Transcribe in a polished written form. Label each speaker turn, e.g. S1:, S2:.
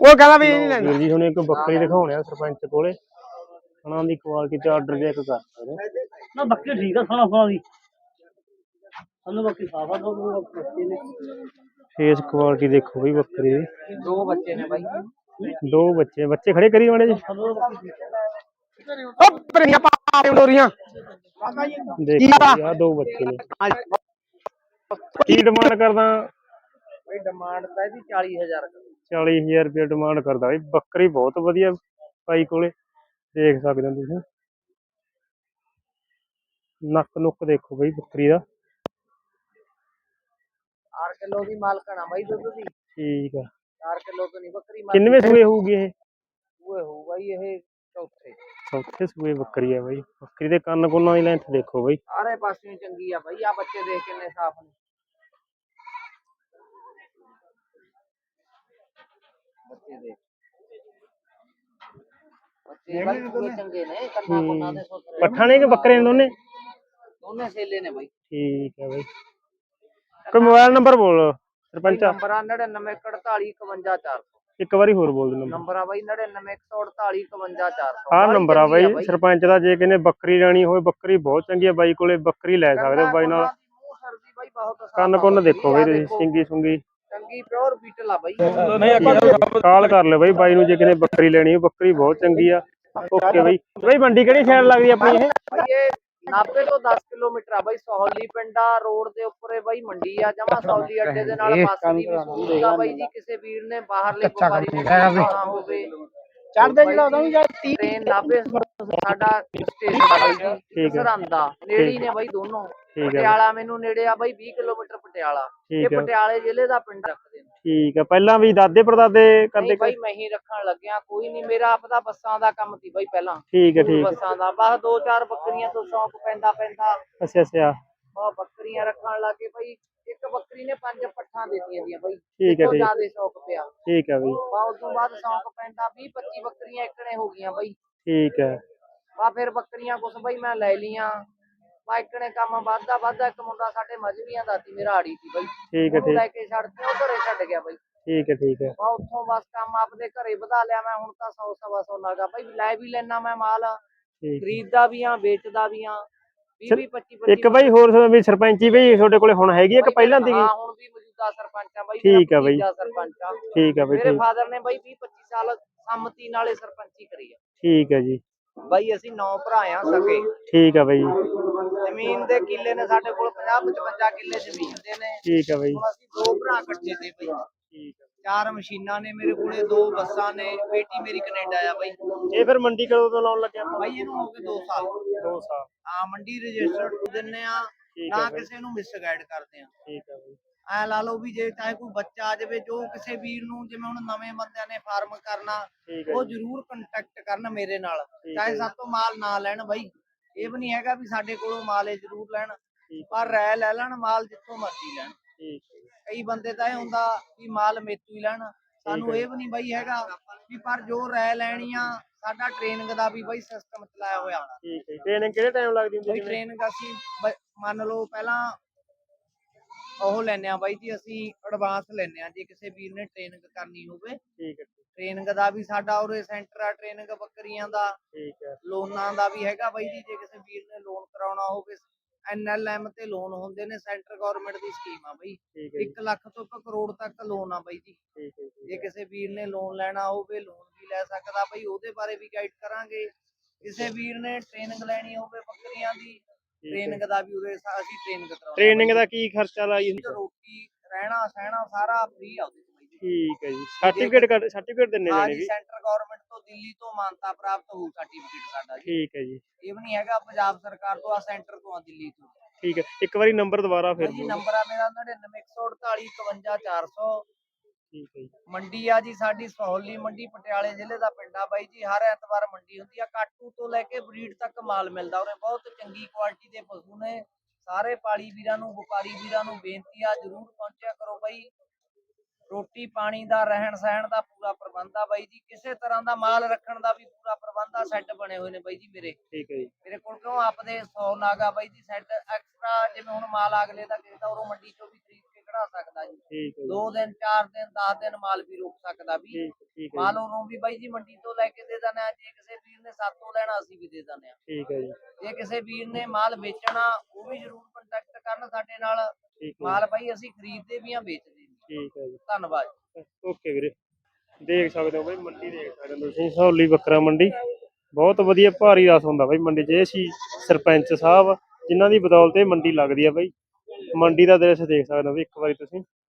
S1: ਉਹ ਕਹਿੰਦਾ ਵੀ ਇਹ ਨਹੀਂ ਲੈਣਾ
S2: ਵੀਰ ਜੀ ਹੁਣ ਇੱਕ ਬੱਕਰੀ ਦਿਖਾਉਣੇ ਆ ਸਰਪੰਚ ਕੋਲੇ, ਉਹਨਾਂ ਦੀ ਕੁਆਲਿਟੀ ਤੇ ਆਰਡਰ ਚੈੱਕ ਕਰ ਸਕਦੇ
S3: ਨਾ ਬੱਕਰੀ ਠੀਕ ਆ ਸੋਹਣਾ ਦੀ ਸਾਨੂੰ ਬੱਕਰੀ ਸਾਫਾ ਦੋ
S2: ਫੇਸ ਕੁਆਲਿਟੀ ਦੇਖੋ ਬਈ ਬੱਕਰੀ ਦੀ।
S1: ਦੋ ਬੱਚੇ ਨੇ ਬਾਈ,
S2: ਦੋ ਬੱਚੇ ਖੜੇ ਕਰੀ ਮਾੜੇ ਜੀ
S1: ਉਹ ਪਰੀਆਂ ਪਾ ਡੋਰੀਆਂ
S2: ਦੇਖੋ ਆ ਦੋ ਬੱਚੇ ਨੇ। ਕੀ ਡਿਮਾਂਡ ਕਰਦਾ
S1: ਬਈ? ਡਿਮਾਂਡ ਤਾਂ ਇਹਦੀ 40,000
S2: 40,000 ਰੁਪਏ ਡਿਮਾਂਡ ਕਰਦਾ ਬਈ। ਬੱਕਰੀ ਬਹੁਤ ਵਧੀਆ ਭਾਈ ਕੋਲੇ, ਦੇਖ ਸਕਦੇ ਹੋ ਤੁਸੀਂ। ਨੱਕ ਨੁੱਕ ਦੇਖੋ ਬਈ ਬੱਕਰੀ ਦਾ।
S1: 4 ਕਿਲੋ ਦੀ ਮਾਲਕਣਾ ਬਾਈ ਦੁੱਧ ਦੀ।
S2: ਠੀਕ ਆ।
S1: 4 ਕਿਲੋ ਤੋਂ ਨਹੀਂ ਬੱਕਰੀ
S2: ਕਿੰਨਵੇਂ ਸੂਏ ਹੋਊਗੀ ਇਹ?
S1: ਸੂਏ ਹੋਊਗਾ ਜੀ ਇਹ
S2: ਚੌਥੇ ਸੂਏ ਬੱਕਰੀ ਆ ਬਾਈ। ਬੱਕਰੀ ਦੇ ਕੰਨ ਕੁੰਨਾਂ ਦੀ ਲੈਂਥ ਦੇਖੋ ਬਾਈ,
S1: ਸਾਰੇ ਪਾਸਿਓਂ ਚੰਗੀ ਆ ਬਾਈ। ਆ ਬੱਚੇ ਦੇਖ ਕਿੰਨੇ ਸਾਫ ਨੇ। ਬੱਚੇ ਦੇਖ, ਬੱਚੇ ਬਾਈ ਪੂਰੇ ਚੰਗੇ ਨੇ। ਕੰਨਾਂ ਕੁੰਨਾਂ ਦੇ ਸੁਥਰੇ।
S2: ਪੱਠਾ ਨੇ ਕਿ ਬੱਕਰੇ ਨੇ ਦੋਨੇ?
S1: ਦੋਨੇ ਸੇਲੇ ਨੇ ਬਾਈ।
S2: ਠੀਕ ਹੈ ਬਾਈ। ਕੋਈ ਮੋਬਾਈਲ ਨੰਬਰ ਬੋਲ ਸਰਪੰਚ।
S1: ਨੰਬਰ 9914451400।
S2: ਇੱਕ ਵਾਰੀ ਹੋਰ ਬੋਲ ਦੇ
S1: ਨੰਬਰ ਆ ਬਾਈ 9914451400।
S2: ਆਹ ਨੰਬਰ ਆ ਬਾਈ ਸਰਪੰਚ ਦਾ। ਜੇ ਕਿਨੇ ਬੱਕਰੀ ਲੈਣੀ ਹੋਵੇ, ਬੱਕਰੀ ਬਹੁਤ ਚੰਗੀ ਆ ਬਾਈ ਕੋਲੇ, ਬੱਕਰੀ ਲੈ ਸਕਦੇ ਹੋ ਬਾਈ ਨਾਲ। ਕੰਨ ਕੁੰਨ ਦੇਖੋ ਬਾਈ ਤੁਸੀਂ, ਸਿੰਗੀ ਸੁੰਗੀ
S1: ਚੰਗੀ ਪਿਓਰ ਬੀਟਲ ਆ ਬਾਈ।
S2: ਕਾਲ ਕਰ ਲਿਓ ਬਾਈ ਨੂੰ ਜੇ ਕਿਨੇ ਬੱਕਰੀ ਲੈਣੀ ਹੋ। ਬੱਕਰੀ ਬਹੁਤ ਚੰਗੀ ਆ। ਓਕੇ ਬਾਈ। ਬਾਈ ਮੰਡੀ ਕਿਹੜੀ ਸਾਈਡ ਲੱਗਦੀ ਆਪਣੀ ਇਹ?
S1: ਇਹ 90 ਤੋਂ 10 ਕਿਲੋਮੀਟਰ ਆ ਬਾਈ। ਸਹੌਲੀ ਪਿੰਡਾ ਰੋਡ ਦੇ ਉੱਪਰ ਹੈ ਬਾਈ ਮੰਡੀ ਆ। ਜਮਾ ਸਹੌਲੀ ਅੱਡੇ ਦੇ ਨਾਲ ਬੱਸ ਦੀ ਵੀ ਸਹੂਲਤ ਆ ਬਾਈ ਜੀ। ਕਿਸੇ ਵੀਰ ਨੇ ਬਾਹਰਲੇ ਵਪਾਰੀ ਆਉਣਾ ਹੋਵੇ, ਚੜਦੇ ਜਿਹੜਾ ਉਹਦਾ ਵੀ ਟ੍ਰੇਨ 90 ਸਾਡਾ ਸਟੇਸ਼ਨ ਆ ਬਾਈ ਜੀ। ਸਰਹੰਦਾ ਨੇੜੇ ਨੇ ਬਾਈ ਦੋਨੋਂ। ਪਟਿਆਲਾ ਮੈਨੂੰ ਨੇੜੇ ਆ ਬਾਈ 20 ਕਿਲੋਮੀਟਰ ਪਟਿਆਲਾ। ਇਹ ਪਟਿਆਲੇ ਜ਼ਿਲ੍ਹੇ ਦਾ ਪਿੰਡ ਰੱਖਦੇ ਨੇ।
S2: ਠੀਕ ਆ। ਪਹਿਲਾਂ ਵੀ ਦਾਦੇ ਪੜਦਾਦੇ ਕਰਦੇ?
S1: ਬਾਈ ਮੈਂ ਹੀ ਰੱਖਣ ਲੱਗਿਆ, ਕੋਈ ਨਹੀਂ। ਮੇਰਾ ਆਪਦਾ ਬੱਸਾਂ ਦਾ ਕੰਮ ਸੀ ਬਾਈ ਪਹਿਲਾਂ।
S2: ਠੀਕ ਹੈ ਠੀਕ।
S1: ਬੱਸਾਂ ਦਾ ਬਸ 2-4 ਬੱਕਰੀਆਂ ਤੋਂ ਸ਼ੌਂਕ ਪੈਂਦਾ।
S2: ਅੱਛਾ
S1: ਬਹੁਤ ਬੱਕਰੀਆਂ ਰੱਖਣ ਲੱਗੇ ਬਾਈ। ਇੱਕ ਬੱਕਰੀ ਨੇ 5 ਪੱਠਾਂ ਦਿੱਤੀਆਂ ਦੀਆਂ ਬਾਈ।
S2: ਠੀਕ ਹੈ ਠੀਕ।
S1: ਜ਼ਿਆਦਾ ਸ਼ੌਂਕ ਪਿਆ।
S2: ਠੀਕ ਹੈ ਬਾਈ।
S1: ਉਸ ਤੋਂ ਬਾਅਦ ਸ਼ੌਂਕ ਪੈਂਦਾ 20-25 ਬੱਕਰੀਆਂ ਇੱਕਣੇ ਹੋ ਗਈਆਂ ਬਾਈ।
S2: ਠੀਕ ਹੈ।
S1: ਬਾ ਫਿਰ ਬੱਕਰੀਆਂ ਕੁਛ ਬਾਈ ਮੈਂ ਲੈ ਲੀਆਂ। ਬਾ ਇੱਕਣੇ ਕੰਮ ਵੱਧਦਾ ਇੱਕ ਮੁੰਡਾ ਸਾਡੇ ਮਜਬੀਆਂ ਦਾ ਸੀ, ਮੇਰਾ ਆੜੀ ਸੀ ਬਾਈ।
S2: ਠੀਕ ਹੈ ਠੀਕ।
S1: ਲੈ ਕੇ ਛੱਡਦੇ ਉਹ ਘਰੇ ਛੱਡ ਗਿਆ ਬਾਈ।
S2: ਠੀਕ ਹੈ ਠੀਕ ਹੈ।
S1: ਬਾ ਉੱਥੋਂ ਬਸ ਕੰਮ ਆਪਦੇ ਘਰੇ ਵਧਾ ਲਿਆ ਮੈਂ। ਹੁਣ ਤਾਂ 100-125 ਲੱਗਾ ਬਾਈ। ਲੈ ਵੀ ਲੈਣਾ ਮੈਂ ਮਾਲ, ਖਰੀਦਦਾ ਵੀ ਆ, ਵੇਚਦਾ ਵੀ ਆ। 20-25
S2: ਇੱਕ ਬਾਈ ਹੋਰ ਵੀ ਸਰਪੰਚੀ ਬਈ ਤੁਹਾਡੇ ਕੋਲੇ ਹੁਣ ਹੈਗੀ ਇੱਕ ਪਹਿਲਾਂ ਦੀ?
S1: ਹਾਂ ਹੁਣ ਵੀ ਮੌਜੂਦਾ ਸਰਪੰਚ ਆ ਬਾਈ।
S2: ਠੀਕ ਆ ਬਾਈ।
S1: ਸਰਪੰਚ ਆ।
S2: ਠੀਕ ਆ ਬਾਈ।
S1: ਮੇਰੇ ਫਾਦਰ ਨੇ ਬਾਈ 20-25 ਸਾਲ ਸੰਮਤੀ ਨਾਲੇ ਸਰਪੰਚੀ ਕਰੀ ਆ।
S2: ਠੀਕ ਹੈ ਜੀ
S1: ਬਾਈ। ਅਸੀਂ 9 ਭਰਾ ਆ ਸਕੇ।
S2: ਠੀਕ ਆ ਬਾਈ।
S1: ਜ਼ਮੀਨ ਦੇ ਕਿੱਲੇ ਨੇ ਸਾਡੇ ਕੋਲ 50-55 ਕਿੱਲੇ ਜ਼ਮੀਨ ਦੇ ਨੇ।
S2: ਠੀਕ ਆ ਬਾਈ।
S1: ਹੁਣ ਅਸੀਂ 2 ਭਰਾ ਇਕੱਠੇ ਤੇ ਬਾਈ।
S2: ਠੀਕ ਆ।
S1: 4 ਮਸ਼ੀਨਾਂ ਨੇ ਮੇਰੇ ਕੋਲੇ, 2 ਬੱਸਾਂ ਨੇ। ਬੇਟੀ ਮੇਰੀ ਕੈਨੇਡਾ ਆ ਬਾਈ।
S2: ਇਹ ਫਿਰ ਮੰਡੀ ਕਦੋਂ ਤੋਂ ਲਾਉਣ ਲੱਗਿਆ
S1: ਬਾਈ? ਇਹਨੂੰ ਹੋ ਗਏ 2 ਸਾਲ।
S2: 2 ਸਾਲ।
S1: ਹਾਂ ਮੰਡੀ ਰਜਿਸਟਰਡ ਦਿੰਨੇ ਆ ਨਾ, ਕਿਸੇ ਨੂੰ ਮਿਸਗਾਈਡ ਕਰਦੇ ਆ।
S2: ਠੀਕ ਆ ਬਾਈ।
S1: ਐ ਲਾ ਲਓ ਵੀ ਜੇ ਚਾਹੇ ਕੋਈ ਬੱਚਾ ਆ ਜਾਵੇ, ਜੋ ਕਿਸੇ ਵੀਰ ਨੂੰ, ਜਿਵੇਂ ਹੁਣ ਨਵੇਂ ਬੰਦਿਆਂ ਨੇ ਫਾਰਮ ਕਰਨਾ, ਉਹ ਜ਼ਰੂਰ ਕੰਟੈਕਟ ਕਰਨ ਮੇਰੇ ਨਾਲ। ਚਾਹੇ ਸਾਡੇ ਤੋਂ ਮਾਲ ਨਾ ਲੈਣ ਬਾਈ। ਇਹ ਵੀ ਨਹੀਂ ਹੈਗਾ ਵੀ ਸਾਡੇ ਕੋਲੋਂ ਮਾਲ ਜ਼ਰੂਰ ਲੈਣ, ਪਰ ਰਾਇ ਲੈ ਲੈਣ ਮਾਲ ਜਿੱਥੋਂ ਮਰਜ਼ੀ ਲੈਣ। ਕਈ ਬੰਦੇ ਤਾਂ ਇਹ ਹੁੰਦਾ ਵੀ ਮਾਲ ਮੇਤੋਂ ਹੀ ਲੈਣ। ਸਾਨੂੰ ਇਹ ਵੀ ਨਹੀਂ ਬਾਈ ਹੈਗਾ ਵੀ, ਪਰ ਜੋ ਰਾਇ ਲੈਣੀ ਆ, ਸਾਡਾ ਟ੍ਰੇਨਿੰਗ ਦਾ ਵੀ ਬਾਈ ਸਿਸਟਮ ਚਲਾਇਆ ਹੋਇਆ।
S2: ਠੀਕ ਹੈ। ਟ੍ਰੇਨਿੰਗ ਕਿਹੜੇ ਟਾਈਮ ਲੱਗਦੀ ਹੁੰਦੀ?
S1: ਟ੍ਰੇਨਿੰਗ ਅਸੀਂ ਮੰਨ ਲਓ ਪਹਿਲਾਂ ਉਹ ਲੈਨੇ ਆ ਬਾਈ ਜੀ, ਅਸੀਂ ਐਡਵਾਂਸ ਲੈਨੇ ਆ ਜੇ ਕਿਸੇ ਵੀਰ ਨੇ ਟ੍ਰੇਨਿੰਗ ਕਰਨੀ ਹੋਵੇ।
S2: ਠੀਕ ਹੈ।
S1: ਟ੍ਰੇਨਿੰਗ ਦਾ ਵੀ ਸਾਡਾ ਉਰੇ ਸੈਂਟਰ ਆ, ਟ੍ਰੇਨਿੰਗ ਬੱਕਰੀਆਂ ਦਾ।
S2: ਠੀਕ ਹੈ।
S1: ਲੋਨਾਂ ਦਾ ਵੀ ਹੈਗਾ ਬਾਈ ਜੀ। ਜੇ ਕਿਸੇ ਵੀਰ ਨੇ ਲੋਨ ਕਰਾਉਣਾ ਹੋਵੇ, NLM ਤੇ ਲੋਨ ਹੁੰਦੇ ਨੇ। ਸੈਂਟਰ ਗਵਰਨਮੈਂਟ ਦੀ ਸਕੀਮ ਆ ਬਾਈ। 1 ਲੱਖ ਤੋਂ 1 ਕਰੋੜ ਤੱਕ ਲੋਨ ਆ ਬਾਈ ਜੀ। ਜੇ ਕਿਸੇ ਵੀਰ ਨੇ ਲੋਨ ਲੈਣਾ ਹੋਵੇ, ਲੋਨ ਵੀ ਲੈ ਸਕਦਾ ਬਾਈ। ਉਹਦੇ ਬਾਰੇ ਵੀ ਗਾਈਡ ਕਰਾਂਗੇ। ਕਿਸੇ ਵੀਰ ਨੇ ਟ੍ਰੇਨਿੰਗ ਲੈਣੀ ਹੋਵੇ ਬੱਕਰੀਆਂ ਦੀ, ਟ੍ਰੇਨਿੰਗ ਦਾ ਵੀ ਉਰੇ ਅਸੀਂ ਟ੍ਰੇਨਿੰਗ ਕਰਾਉਂਦੇ।
S2: ਟ੍ਰੇਨਿੰਗ ਦਾ ਕੀ ਖਰਚਾ ਲਾਈ?
S1: ਰੋਟੀ ਰਹਿਣਾ ਸਹਿਣਾ ਸਾਰਾ ਫ੍ਰੀ ਆ ਉਹਦੇ।
S2: ਠੀਕ ਹੈ ਜੀ। ਸਰਟੀਫਿਕੇਟ ਦਿੰਨੇ ਜਾਣੇ ਵੀ?
S1: ਸੈਂਟਰ ਗਵਰਨਮੈਂਟ ਤੋਂ, ਦਿੱਲੀ ਤੋਂ ਮਾਨਤਾ ਪ੍ਰਾਪਤ ਹੋਊ ਸਰਟੀਫਿਕੇਟ ਸਾਡਾ ਜੀ। ਠੀਕ
S2: ਹੈ ਜੀ।
S1: ਇਹ ਵੀ ਨਹੀਂ ਹੈਗਾ ਪੰਜਾਬ ਸਰਕਾਰ ਤੋਂ, ਆ ਸੈਂਟਰ ਤੋਂ ਆ, ਦਿੱਲੀ ਤੋਂ।
S2: ਠੀਕ ਹੈ। ਇੱਕ ਵਾਰੀ ਨੰਬਰ ਦੁਬਾਰਾ ਫਿਰ
S1: ਜੀ। ਨੰਬਰ ਆ ਮੇਰਾ 9914451400।
S2: ਠੀਕ ਹੈ ਜੀ।
S1: ਮੰਡੀ ਆ ਜੀ ਸਾਡੀ ਸਹੌਲੀ ਮੰਡੀ, ਪਟਿਆਲੇ ਜ਼ਿਲ੍ਹੇ ਦਾ ਪਿੰਡ ਆ ਬਾਈ ਜੀ। ਹਰ ਐਤਵਾਰ ਮੰਡੀ ਹੁੰਦੀ ਆ। ਕਾਟੂ ਤੋਂ ਲੈ ਕੇ ਬਰੀਡ ਤੱਕ ਮਾਲ ਮਿਲਦਾ ਉਰੇ। ਬਹੁਤ ਚੰਗੀ ਕੁਆਲਿਟੀ ਦੇ ਪਸ਼ੂ ਨੇ। ਸਾਰੇ ਪਾਲੀ ਵੀਰਾਂ ਨੂੰ, ਵਪਾਰੀ ਵੀਰਾਂ ਨੂੰ ਬੇਨਤੀ ਆ, ਜ਼ਰੂਰ ਪਹੁੰਚਿਆ ਕਰੋ ਬਾਈ। ਰੋਟੀ ਪਾਣੀ ਦਾ, ਰਹਿਣ ਸਹਿਣ ਦਾ ਪੂਰਾ ਪ੍ਰਬੰਧ ਆ ਬਾਈ ਜੀ। ਕਿਸੇ ਤਰ੍ਹਾਂ ਦਾ ਮਾਲ ਰੱਖਣ ਦਾ ਵੀ ਪੂਰਾ ਪ੍ਰਬੰਧ ਆ। ਸੈੱਟ ਬਣੇ ਹੋਏ ਨੇ ਬਾਈ ਜੀ ਮੇਰੇ।
S2: ਠੀਕ ਹੈ ਜੀ।
S1: ਮੇਰੇ ਕੋਲ ਕਿਉਂ ਆਪਦੇ 100 ਨਾਗਾ ਬਾਈ ਜੀ। ਸੈੱਟ ਐਕਸਟਰਾ, ਜਿਵੇਂ ਹੁਣ ਮਾਲ ਅਗਲੇ ਦਾ ਕਿਸੇ ਦਾ ਉਰੋਂ ਮੰਡੀ ਚੋਂ ਵੀ ਖਰੀਦ ਕੇ ਖੜਾ ਸਕਦਾ ਜੀ।
S2: ਠੀਕ ਹੈ ਜੀ
S1: 2 ਦਿਨ 4 ਦਿਨ 10 ਦਿਨ ਮਾਲ ਵੀ ਰੁਕ ਸਕਦਾ ਵੀ।
S2: ਠੀਕ ਹੈ
S1: ਮਾਲ
S2: ਜੀ
S1: ਉਹਨੂੰ ਵੀ ਬਾਈ ਜੀ ਮੰਡੀ ਤੋਂ ਲੈ ਕੇ ਦੇ ਦਿੰਦੇ ਆ, ਜੇ ਕਿਸੇ ਵੀਰ ਨੇ ਸਾਤੋਂ ਲੈਣਾ ਅਸੀਂ ਵੀ ਦੇ ਦਿੰਦੇ ਆ।
S2: ਠੀਕ ਹੈ ਜੀ
S1: ਜੇ ਕਿਸੇ ਵੀਰ ਨੇ ਮਾਲ ਵੇਚਣਾ ਉਹ ਵੀ ਜ਼ਰੂਰ ਕੰਟੈਕਟ ਕਰਨ ਸਾਡੇ ਨਾਲ।
S2: ਠੀਕ ਹੈ
S1: ਮਾਲ ਬਾਈ ਅਸੀਂ ਖਰੀਦਦੇ ਵੀ ਆ, ਵੇਚਦੇ ਵੀ ਆ।
S2: ਠੀਕ ਹੈ ਜੀ
S1: ਧੰਨਵਾਦ।
S2: ਓਕੇ ਵੀਰੇ ਦੇਖ ਸਕਦੇ ਹੋ ਬਾਈ ਮੰਡੀ ਦੇਖ ਸਕਦੇ ਹੋ ਤੁਸੀਂ ਸਹੌਲੀ ਬੱਕਰਾ ਮੰਡੀ ਬਹੁਤ ਵਧੀਆ ਭਾਰੀ ਰਸ ਹੁੰਦਾ ਬਾਈ ਮੰਡੀ 'ਚ। ਇਹ ਸੀ ਸਰਪੰਚ ਸਾਹਿਬ ਜਿਨ੍ਹਾਂ ਦੀ ਬਦੌਲਤ ਇਹ ਮੰਡੀ ਲੱਗਦੀ ਆ ਬਾਈ। ਮੰਡੀ ਦਾ ਦ੍ਰਿਸ਼ ਦੇਖ ਸਕਦੇ ਹੋ ਵੀ ਇੱਕ ਵਾਰੀ ਤੁਸੀਂ।